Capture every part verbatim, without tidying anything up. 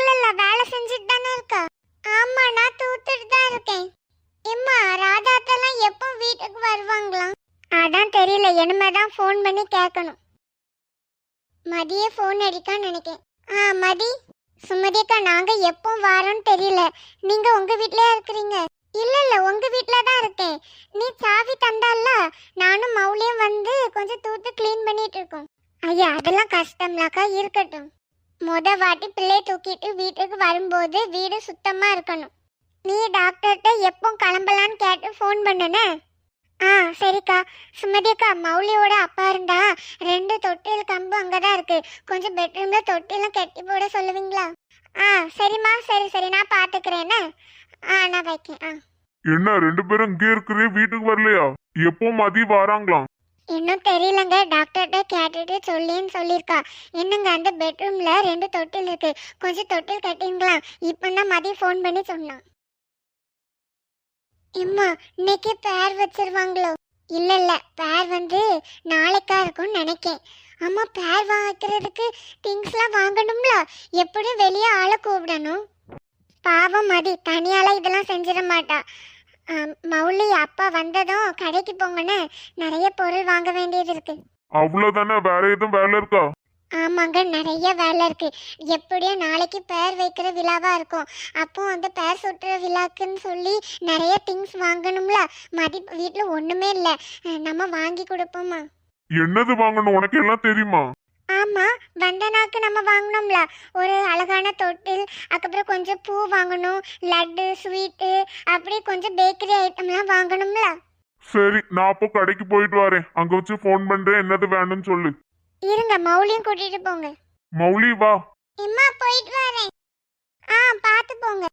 தூக்கல வேலை செஞ்சுட்டு தானே இருக்கா? ஆமா, நான் தூத்துட்டு தான் இருக்கேன். எம்மா, ராதாத்தெல்லாம் எப்போ வீட்டுக்கு வருவாங்களாம்? அதான் தெரியல, இனிமேதான் ஃபோன் பண்ணி கேட்கணும். மதியே ஃபோன் அடிக்கான்னு நினைக்கேன். ஆ மதி. சுமதி அக்கா, நாங்க எப்போ வரோன்னு தெரியல. நீங்க உங்க வீட்லயே இருக்கிறீங்க? இல்ல இல்ல, உங்க வீட்ல தான் இருக்கேன். நீ சாவி தந்தால, நானும் மௌலியும் வந்து கொஞ்சம் தூத்து க்ளீன் பண்ணிட்டு இருக்கோம். ஐயா, அதெல்லாம் கஷ்டம்லாக்கா, இருக்கட்டும். முத வாட்டி பிள்ளைய தூக்கிட்டு வீட்டுக்கு வரும்போது வீடு சுத்தமா இருக்கணும். நீ டாக்டர்கிட்ட எப்போ கிளம்பலான்னு கேட்டு ஃபோன் பண்ணனே. ஆ சரிக்கா. சுமதி அக்கா, மௌலியோட அப்பா இருந்தா ரெண்டு தொட்டில் கம்பு அங்கதான் இருக்கு. கொஞ்சம் பெட்ரூம்ல தொட்டிலாம் கட்டி போட சொல்லுவீங்களா? ஆ சரிம்மா, சரி சரி, நான் பாத்துக்கிறேன்னு. ஆ நான் வைக்கேன். ஆ என்ன ரெண்டு பேரும் இங்கே இருக்கிறே, வீட்டுக்கு வரலையா? எப்போ மதி வராங்களாம்? இன்னும் தெரியலங்க, டாக்டர்கிட்ட கேட்டுட்டு சொல்லின்னு சொல்லியிருக்கா. என்னங்க, அந்த பெட்ரூம்ல ரெண்டு தொட்டில் இருக்கு, கொஞ்சம் தொட்டில் கட்டிங்களா? இப்பதான் மதியம் ஃபோன் பண்ணி சொன்னான். எம்மா, இன்னைக்கு பேர் வச்சிருவாங்களோ? இல்ல இல்ல, பேர் வந்து நாளைக்கா இருக்கும்னு நினைக்கேன். அம்மா, பேர் வைக்கிறதுக்கு திங்ஸ்லாம் வாங்கணும்ல, எப்படியும் வெளியே ஆளை கூப்பிடணும். பாவம் மதி, தனியால இதெல்லாம் செஞ்சிட மாட்டா. மௌலி அப்பா வந்ததும் கடைக்கு போங்கன்னு நிறைய பொருள் வாங்க வேண்டியது இருக்கு. அவ்வளவுதானே? வேற எதுவும் வேலை இருக்கா? ஆமாங்க, நிறைய வேலை இருக்கு. எப்படியும் நாளைக்கு பேர் வைக்கிற விழாவா இருக்கும். அப்போ அந்த பேர் சுட்டுற விழாக்குன்னு சொல்லி நிறைய திங்ஸ் வாங்கணும்ல. மதி வீட்டுல ஒண்ணுமே இல்ல, நம்ம வாங்கி கொடுப்போமா? என்னது வாங்கணும், உனக்கு எல்லாம் தெரியுமா? ஆமா, வந்தனாக்கு நம்ம வாங்கணும்ல, ஒரு அழகான தொட்டில், அதுக்கப்புறம் கொஞ்சம் பூ வாங்கணும், லட்டு, ஸ்வீட்டு, அப்படி கொஞ்சம் பேக்கரி ஐட்டம்லாம் வாங்கணும்ல. சரி, நான் அப்போ கடைக்கு போயிட்டு வரேன். அங்க வச்சு ஃபோன் பண்றேன், என்னது வேணும்னு சொல்லு. இருங்க, மௌலியும் கூட்டிட்டு போங்க. மௌலி வா. இம்மா, போயிட்டு வரேன். ஆ பாத்து போங்க.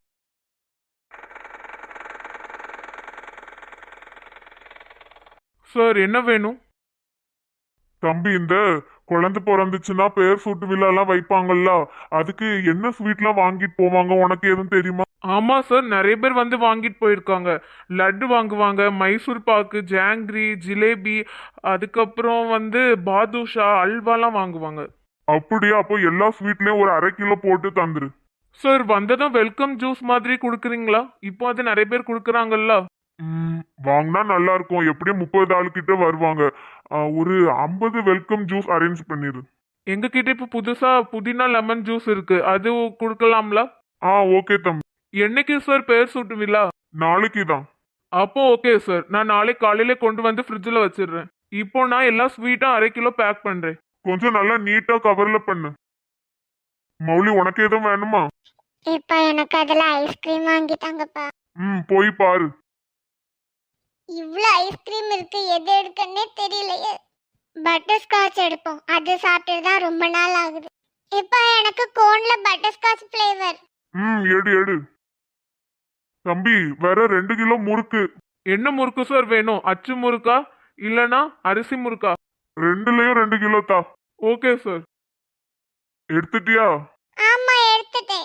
சார், என்ன வேணும்? தம்பி, இந்த குழந்தை பிறந்துச்சுன்னா பேர் சூட்டு விழாலாம் வைப்பாங்கல்ல, அதுக்கு என்ன ஸ்வீட்லாம் வாங்கிட்டு போவாங்க, உனக்கு எதுவும் தெரியுமா? ஆமா சார், நிறைய பேர் வந்து வாங்கிட்டு போயிருக்காங்க. லட்டு வாங்குவாங்க, மைசூர் பாக்கு, ஜாங்கிரி, ஜிலேபி, அதுக்கப்புறம் வந்து பாதுஷா, அல்வாலாம் வாங்குவாங்க. அப்படியா? அப்போ எல்லா ஸ்வீட்லயும் ஒரு அரை கிலோ போட்டு தந்துரு. சார், வந்ததும் வெல்கம் ஜூஸ் மாதிரி கொடுக்குறீங்களா? இப்போ அது நிறைய பேர் கொடுக்குறாங்கல்ல. ம், வாங்கினா நல்லா இருக்கும். எப்படியும் முப்பது ஆளு கிட்ட வருவாங்க. ஒரு ஐம்பது வெல்கம் ஜூஸ் அரேஞ்ச் பண்ணிரு. எங்க கிட்ட இப்போ புதுசா புதினா லெமன் ஜூஸ் இருக்கு, அது கொடுக்கலாம்ல? ஆ ஓகே தம்பி. என்னைக்கு சார் பேர் சூட்டுவீங்களா? நாளைக்கு தான். அப்போ ஓகே சார், நான் நாளைக்கு காலையில கொண்டு வந்து ஃப்ரிட்ஜில் வச்சிடுறேன். இப்போ நான் எல்லா ஸ்வீட்டும் அரை கிலோ பேக் பண்றேன். கொஞ்சம் நல்லா நீட்டா கவர்ல பண்ணு. மௌலி, உனக்கு எதுவும் வேணுமா? இப்ப எனக்கு அதுல ஐஸ்கிரீம் வாங்கிட்டாங்கப்பா. ம், போய் பாரு. இவ்ளோ ஐஸ்கிரீம் இருக்கு, எது எடுக்கன்னே தெரியலையே. பட்டர் ஸ்காட்ச் எடுப்போம், அது சாப்பிட்டு தான் ரொம்ப நாள் ஆகுது. இப்ப எனக்கு கோன்ல பட்டர் ஸ்காட்ச் ஃப்ளேவர். ம், எடு எடு. தம்பி, வேற ரெண்டு கிலோ முறுக்கு. என்ன முறுக்கு சார் வேணும்? அச்சு முறுக்கா இல்லனா அரிசி முறுக்கா? ரெண்டுலயும் ரெண்டு கிலோ தா. Okay sir. எடுத்துட்டியா? ஆமா, எடுத்துட்டேன்.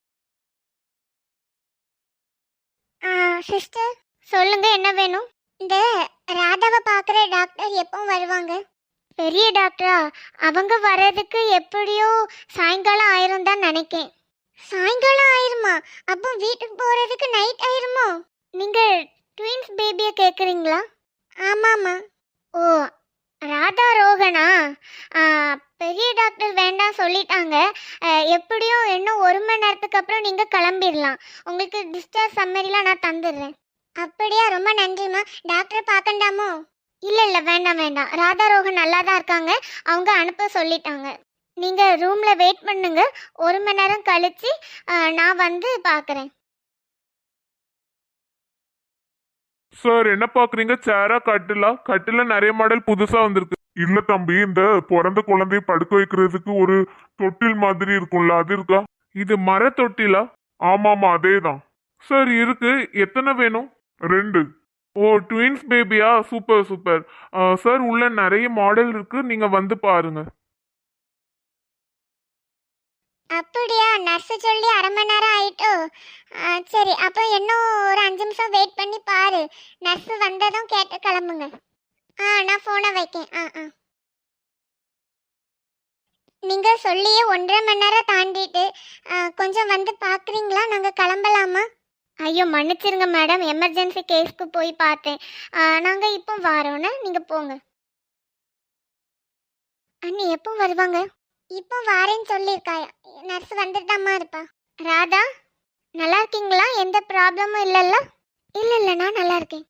சிஸ்டர், சொல்லுங்க, என்ன வேணும்? இந்த ராதாவை பார்க்குற டாக்டர் எப்போ வருவாங்க? பெரிய டாக்டரா? அவங்க வர்றதுக்கு எப்படியோ சாயங்காலம் ஆயிரும் தான் நினைக்கேன். சாயங்காலம் ஆயிருமா? அப்போ வீட்டுக்கு போறதுக்கு நைட் ஆயிருமோ? நீங்க ட்வின்ஸ் பேபியை கேட்குறீங்களா? ஆமாம்மா. ஓ, ராதா ரோகனா? பெரிய டாக்டர் வேண்டாம் சொல்லிட்டாங்க. எப்படியும் இன்னும் ஒரு மணி நேரத்துக்கு அப்புறம் நீங்கள் கிளம்பிடலாம். உங்களுக்கு டிஸ்சார்ஜ் சம்மரிலாம் நான் தந்துடுறேன். அப்படியா? ரொம்ப நன்றிம்மா. டாக்டரை பார்க்கண்டாமோ? இல்லை இல்லை, வேண்டாம் வேண்டாம். ராதா ரோகன் நல்லா தான் இருக்காங்க, அவங்க அனுப்ப சொல்லிட்டாங்க. நீங்கள் ரூமில் வெயிட் பண்ணுங்க, ஒரு மணி நேரம் கழித்து நான் வந்து பார்க்குறேன். சார், என்ன பாக்குறீங்க? சேரா கட்டிலா? கட்டில நிறைய மாடல் புதுசா வந்திருக்கு. இல்ல தம்பி, இந்த பிறந்த குழந்தைய படுக்க வைக்கிறதுக்கு ஒரு தொட்டில் மாதிரி இருக்கும்ல, அது இருக்கா? இது மர தொட்டிலா? ஆமாமா, அதேதான். சார் இருக்கு. எத்தனை வேணும்? ரெண்டு. ஓ, ட்வின்ஸ் பேபியா? Super super. சார், உள்ள நிறைய மாடல் இருக்கு, நீங்க வந்து பாருங்க. அப்படியா? நர்ஸு சொல்லி அரை மணி நேரம் ஆயிட்டோ? சரி, அப்போ இன்னும் ஒரு அஞ்சு நிமிஷம் வெயிட் பண்ணி பாரு. நர்ஸு வந்ததும் கேட்டு கிளம்புங்க. ஆ நான் ஃபோனை வைக்கேன். ஆ ஆ நீங்கள் சொல்லியே ஒன்றரை மணி நேரம் தாண்டிட்டு, கொஞ்சம் கொஞ்சம் வந்து பாக்குறீங்களா? நாங்க கிளம்பலாமா? ஐயோ மன்னிச்சிருங்க மேடம், எமர்ஜென்சி கேஸ்க்கு போய் பார்த்தேன். ஆ, நாங்க இப்போ வரோன்னு, நீங்க போங்க. அண்ணி எப்போ வருவாங்க? இப்போ வாரேன்னு சொல்லியிருக்கா. நர்ஸ் வந்துட்டாமா இருப்பா. ராதா நல்லா இருக்கீங்களா? எந்த ப்ராப்ளமும் இல்லைல்ல? இல்ல இல்ல, நான் நல்லா இருக்கேன்.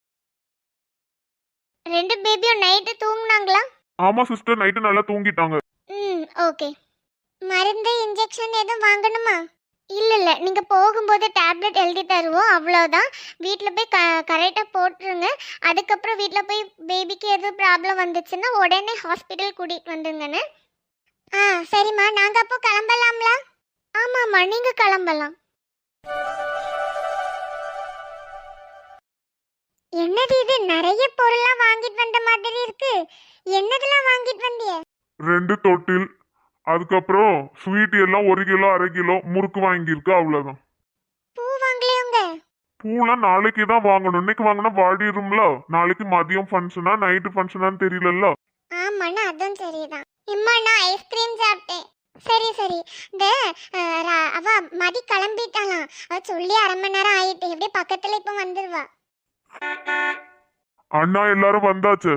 ரெண்டு பேபியும் நைட்டு தூங்குனாங்களா? ஆமா சிஸ்டர், நைட்டு நல்லா தூங்கிட்டாங்க. ம் ஓகே. மருந்து இன்ஜெக்ஷன் எதுவும் வாங்கணுமா? இல்ல இல்ல, நீங்க போகும்போது டேப்லெட் எழுதி தருவோம், அவ்வளோதான். வீட்டில் போய் க கரெக்டாக போட்டுருங்க. அதுக்கப்புறம் வீட்டில் போய் பேபிக்கு எதுவும் ப்ராப்ளம் வந்துச்சுன்னா உடனே ஹாஸ்பிட்டல் கூட்டிகிட்டு வந்துருங்கண்ணே. ஆ சரிம்மா, நாங்கள் அப்போ கிளம்பலாம்ல? ஆமாம்மா, நீங்கள் கிளம்பலாம். என்னது இது, நிறைய பொருள்லாம் வாங்கிட்டு வந்த மாதிரி இருக்கு. என்னதெல்லாம் வாங்கிட்டு வந்திய? ரெண்டு தொட்டில், அதுக்கப்புறம் ஸ்வீட் எல்லாம் ஒரு கிலோ அரை கிலோ முறுக்கு வாங்கியிருக்கு, அவ்வளவுதான். பூ வாங்கலையோங்க? பூலாம் நாளைக்கு தான் வாங்கணும். இன்னைக்கு வாங்கினா வாடிடும்ல. நாளைக்கு மதியம் ஃபங்க்ஷனா நைட்டு ஃபங்க்ஷனான்னு தெரியலல்ல. ஆமாண்ணா, அதுவும் சரிதான். இம்மா நான் ஐஸ்கிரீம் சாப்பிட்டேன். சரி சரி. இந்த அஹ், ர- அவ மதி கிளம்பிட்டாலாம். அவ சொல்லி அரை மணி நேரம் ஆயிட்டு. எப்படியே பக்கத்துல இப்ப வந்துருவா. அண்ணா எல்லாரும் வந்தாச்சு.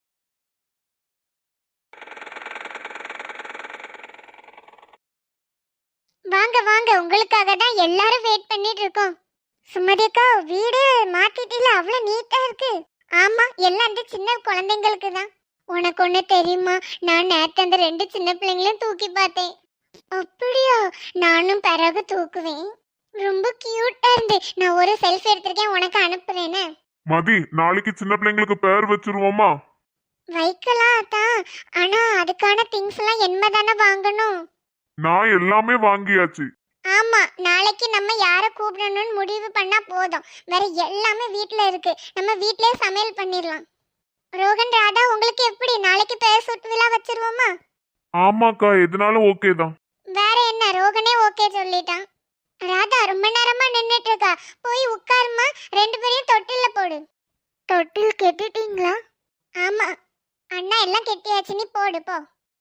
வாங்க வாங்க, உங்களுக்காக தான் எல்லாரும் வெயிட் பண்ணிட்டு இருக்கோம். சுமதி அக்கா, வீடு மாத்திட்டில, அவ்வளவு நீட்டா இருக்கு. ஆமா, எல்லாம் அந்த சின்ன குழந்தைங்களுக்கு தான். உனக்கு ஒண்ணு தெரியுமா? நான் நேத்து அந்த ரெண்டு சின்ன பிள்ளைங்களையும் தூக்கி பார்த்தேன். அப்படியா? நானும் பிறகு தூக்குவேன். ரொம்ப கியூட்டா இருந்து. நான் ஒரு செல்ஃபி எடுத்திருக்கேன், உனக்கு அனுப்புறேன்னு. மதி, நாளைக்கு சின்ன பிள்ளைங்களுக்கு பேர் வச்சிருவோமா? வைக்கலாம் தான். ஆனா அதுக்கான திங்ஸ் எல்லாம் என்ன தானே வாங்கணும். நான் எல்லாமே வாங்கியாச்சு. ஆமா, நாளைக்கு நம்ம யாரை கூப்பிடணும்னு முடிவு பண்ணா போதும். வேற எல்லாமே வீட்ல இருக்கு. நம்ம வீட்லயே சமையல் பண்ணிடலாம். ரோகன், ராதா, உங்களுக்கு எப்படி? நாளைக்கு பேர் சுட்டு விழா வச்சிருவோமா? ஆமாக்கா, எதுனாலும் ஓகே தான். வேற என்ன, ரோகனே ஓகே சொல்லிட்டான். ராதா ரொம்ப நேரமா நின்னுட்டு இருக்கா, போய் உட்காருமா. ரெண்டு பேரையும் தொட்டில்ல போடு. தொட்டில் கெட்டிட்டீங்களா? ஆமா அண்ணா, எல்லாம் கெட்டியாச்சு, நீ போடு போ.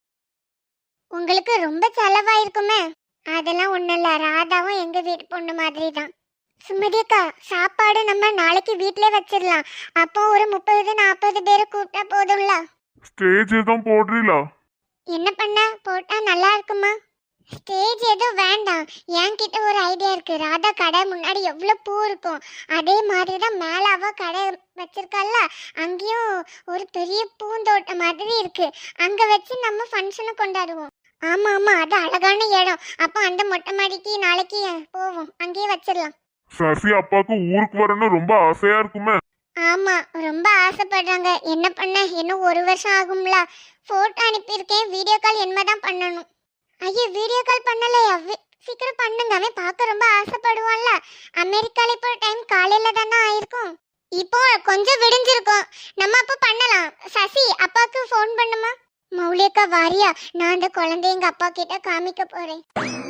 உங்களுக்கு ரொம்ப செலவாயிருக்குமே. அதெல்லாம் ஒண்ணும் இல்ல, ராதாவும் எங்க வீட்டு பொண்ணு மாதிரி தான். சுமதி அக்கா, சாப்பாடு நம்ம நாளைக்கு வீட்லயே வச்சிடலாம். அப்போ ஒரு முப்பது நாற்பது பேரை கூப்பிட்டா போதும்ல. ஸ்டேஜ் எதுவும் போடுறீங்களா? என்ன பண்ண போட்டா நல்லா இருக்குமா? ஸ்டேஜ் எதுவும் வேண்டாம். என்கிட்ட ஒரு ஐடியா இருக்கு. ராதா கடை முன்னாடி எவ்வளவு பூ இருக்கும், அதே மாதிரி தான் மேல அவ கடை வச்சிருக்கல்ல, அங்கேயும் ஒரு பெரிய பூந்தோட்டம் மாதிரி இருக்கு. அங்க வச்சு நம்ம ஃபங்க்ஷனை கொண்டாடுவோம். ஆமா ஆமா, அது அழகான இடம். அப்போ அந்த மொட்டை மாடிக்கு நாளைக்கு போவோம், அங்கேயே வச்சிடலாம். சசி அப்பாவுக்கு ஊருக்கு வரணும் ரொம்ப ஆசையா இருக்குமே. ஆமா, ரொம்ப ஆசைப்படுறாங்க. என்ன பண்ண, இன்னும் ஒரு வருஷம் ஆகும்ல. போட்டோ அனுப்பியிருக்கேன், வீடியோ கால் என்னதான் பண்ணணும். ஐயோ, வீடியோ கால் பண்ணலையா? வி- சீக்கிரம் பண்ணுங்க, அவன் பார்க்க ரொம்ப ஆசைப்படுவான்ல. அமெரிக்கால இப்போ டைம் காலையில தானே ஆயிருக்கும். இப்போ கொஞ்சம் விடிஞ்சிருக்கும், நம்ம அப்போ பண்ணலாம். சசி, அப்பாவுக்கு ஃபோன் பண்ணுமா. மௌலிகா வாரியா? நான் அந்த குழந்தைய எங்க அப்பா கிட்ட காமிக்க போறேன்.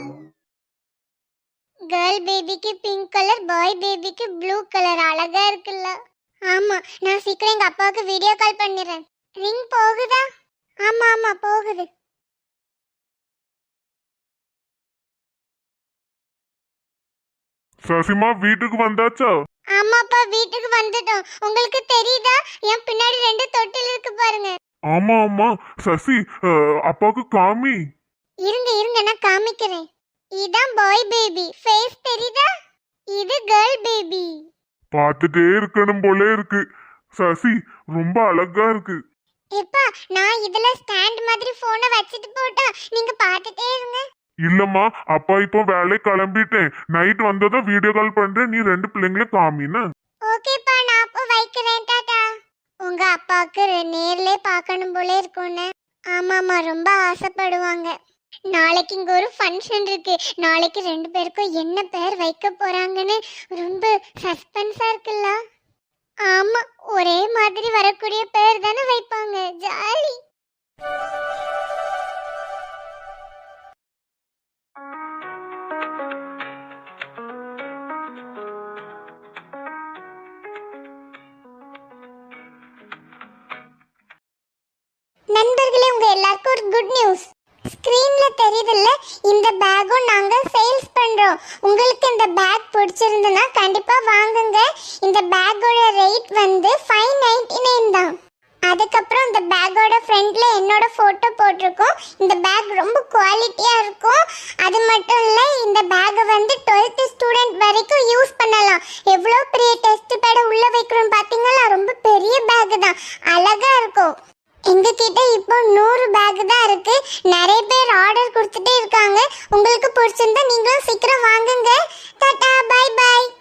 கேர்ள் பேபிக்கு பிங்க் கலர், பாய் பேபிக்கு ப்ளூ கலர். அழகா இருக்குல்ல? ஆமா, நான் சீக்கிரம் எங்க அப்பாவுக்கு வீடியோ கால் பண்ணிடுறேன். ரிங் போகுதா? ஆமா ஆமா போகுது. சசிமா வீட்டுக்கு வந்தாச்சா? ஆமாப்பா, வீட்டுக்கு வந்துட்டோம். உங்களுக்கு தெரியுதா? என் பின்னாடி ரெண்டு தொட்டில் இருக்கு பாருங்க. ஆமா ஆமா. சசி, அஹ், அப்பாவுக்கு காமி. இருங்க இருங்க, நான் காமிக்கிறேன். இதான் பாய் பேபி ஃபேஸ், தெரியுதா? இது கேர்ள் பேபி. பார்த்துட்டே இருக்கணும் போல இருக்கு. சசி ரொம்ப அழகா இருக்கு. எப்பா, நான் இதுல ஸ்டாண்ட் மாதிரி போனை வச்சிட்டு போட்டா நீங்க பார்த்துட்டே இருங்க. இல்லம்மா, அப்பா இப்போ வேலை கிளம்பிட்டேன். நைட் வந்ததும் வீடியோ கால் பண்றேன், நீ ரெண்டு பிள்ளைங்களும் காமின்னு. ஓகேப்பா, நான் அப்போ வைக்கிறேன். டாடா. உங்க அப்பாவுக்கு நேர்ல பார்க்கணும் போல இருக்கும்னு. ஆமாமா, ரொம்ப ஆசைப்படுவாங்க. நாளைக்கு இங்க ஒரு ஃபங்க்ஷன் இருக்கு. நாளைக்கு ரெண்டு பேருக்கும் என்ன பேர் வைக்க போறாங்கன்னு ரொம்ப சஸ்பென்ஸா இருக்குல்ல. ஆமா, ஒரே மாதிரி வரக்கூடிய பேர் தானே வைப்பாங்க. ஜாலி. நண்பர்களே, உங்க எல்லாருக்கும் ஒரு குட் நியூஸ். ஸ்கிரீன்ல தெரியுதுல்ல, இந்த பேக்கும் நாங்க சேல்ஸ் பண்றோம். உங்களுக்கு இந்த பேக் பிடிச்சிருந்ததுன்னா கண்டிப்பா வாங்குங்க. இந்த பேக்கோட ரேட் வந்து ஃபைவ் நைன்டி நைன் தான். அதுக்கப்புறம் இந்த பேக்கோட ஃப்ரண்ட்ல என்னோட போட்டோ போட்டிருக்கோம். இந்த பேக் ரொம்ப குவாலிட்டியா இருக்கும். அது மட்டும் இல்ல, இந்த பேக்கை வந்து டுவெல்த் ஸ்டூடெண்ட் வரைக்கும் யூஸ் பண்ணலாம். எவ்வளோ பெரிய டெஸ்ட் பேட உள்ள வைக்கிறோம் பாத்தீங்களா? ரொம்ப பெரிய பேக் தான், அழகா இருக்கும். எங்க கிட்ட இப்போ நூறு பேக் தான் இருக்கு. நிறைய பேர் ஆர்டர் கொடுத்துட்டே இருக்காங்க. உங்களுக்கு பிடிச்சிருந்தா நீங்களும் சீக்கிரம் வாங்குங்க. Tata, bye by.